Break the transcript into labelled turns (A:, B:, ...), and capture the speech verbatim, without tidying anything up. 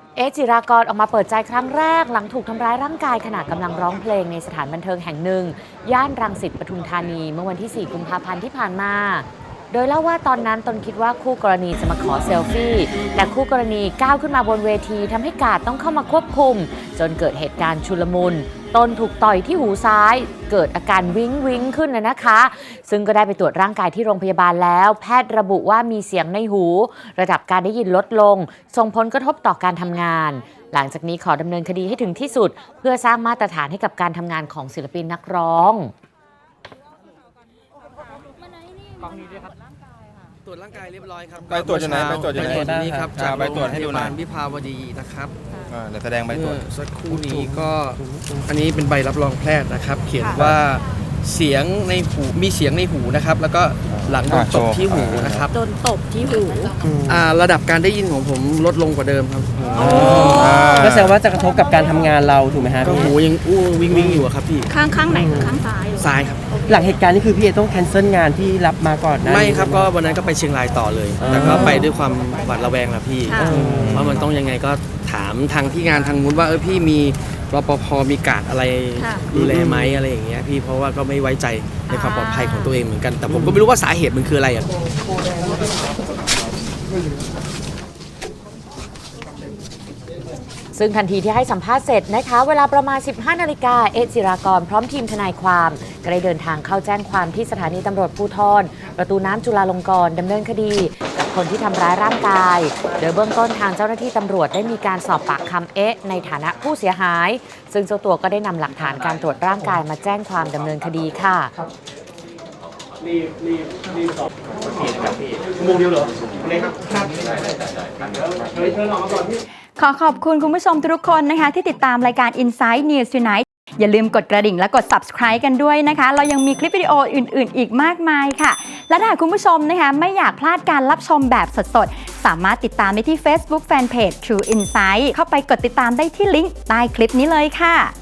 A: เอจิรากรออกมาเปิดใจครั้งแรกหลังถูกทำร้ายร่างกายขณะกำลังร้องเพลงในสถานบันเทิงแห่งหนึ่งย่านรังสิตปทุมธานีเมื่อวันที่ สี่ กุมภาพันธ์ที่ผ่านมาโดยเล่าว่าตอนนั้นตนคิดว่าคู่กรณีจะมาขอเซลฟี่แต่คู่กรณีก้าวขึ้นมาบนเวทีทำให้กาดต้องเข้ามาควบคุมจนเกิดเหตุการณ์ชุลมุนตนถูกต่อยที่หูซ้ายเกิดอาการวิ้งวิ้งขึ้นนะนะคะซึ่งก็ได้ไปตรวจร่างกายที่โรงพยาบาลแล้วแพทย์ระบุว่ามีเสียงในหูระดับการได้ยินลดลงส่งผลกระทบต่อการทำงานหลังจากนี้ขอดำเนินคดีให้ถึงที่สุดเพื่อสร้างมาตรฐานให้กับการทำงานของศิลปินนักร้อง
B: ตรวจร่างกายเรียบร้อยครับ
C: ไปตรวจยังไงไปตรวจยังไง
B: ไปตรวจนี้ครับจาก
C: ไปตรวจให้ดูหน่อย
B: วิภาวดีนะครับ
C: เดี๋ยวแสดงใบตรวจ
B: สักครู่นี้ก็อันนี้เป็นใบรับรองแพทย์นะครับเขียนว่าเสียงในหูมีเสียงในหูนะครับแล้วก็หลังโดนตบที่หูนะครับ
D: โดนตบที่หู
B: ระดับการได้ยินของผมลดลงกว่าเดิมครับ
E: ก็แสดงว่าจะกระทบกับการทำงานเราถูกไหมฮะ
B: ก็หูยังอู้วิ่งวิ่งอยู่ครับพี่
D: ข้างข้างไหนข้างซ้าย
B: ซ้ายครับ
E: หลังเหตุการณ์นี้คือพี่เอต้องแคนเซิลงานที่รับมาก่อนนะ
B: ไม่ครับก็วันนั้นก็ไปเชียงรายต่อเลยแต่ก็ไปด้วยความหวาดระแวงนะพี่ว่ามันต้องยังไงก็ถามทางที่งานทางนู้นว่าเออพี่มีรปภมีการอะไรดูแลไหมอะไรอย่างเงี้ยพี่เพราะว่าก็ไม่ไว้ใจในความปลอดภัยของตัวเองเหมือนกันแต่ผมก็ไม่รู้ว่าสาเหตุมันคืออะไรอ่ะ
A: ซึ่งทันทีที่ให้สัมภาษณ์เสร็จนะคะเวลาประมาณ สิบห้านาฬิกาเอจิรากรพร้อมทีมทนายความก็ได้เดินทางเข้าแจ้งความที่สถานีตำรวจภูธรประตูน้ำจุฬาลงกรณ์ดำเนินคดีกับคนที่ทำร้ายร่างกายโดยเบื้องต้นทางเจ้าหน้าที่ตำรวจได้มีการสอบปากคำเอ๊ะในฐานะผู้เสียหายซึ่งเจ้าตัวก็ได้นำหลักฐานการตรวจร่างกายมาแจ้งความดำเนินคดีค่ะ
F: รีบรีบรีบสอบพี่นะครับพี่ชั่วโมงเดียวเหรอเลยครับครับเฮ้ยเชิญออกมาก่อนพี่
D: ขอขอบคุณคุณผู้ชมทุกคนนะคะที่ติดตามรายการ Inside News Tonight อย่าลืมกดกระดิ่งและกด Subscribe กันด้วยนะคะเรายังมีคลิปวิดีโออื่นๆอีกมากมายค่ะและถ้าคุณผู้ชมนะคะไม่อยากพลาดการรับชมแบบสดๆสามารถติดตามได้ที่ Facebook Fanpage True Insight เข้าไปกดติดตามได้ที่ลิงก์ใต้คลิปนี้เลยค่ะ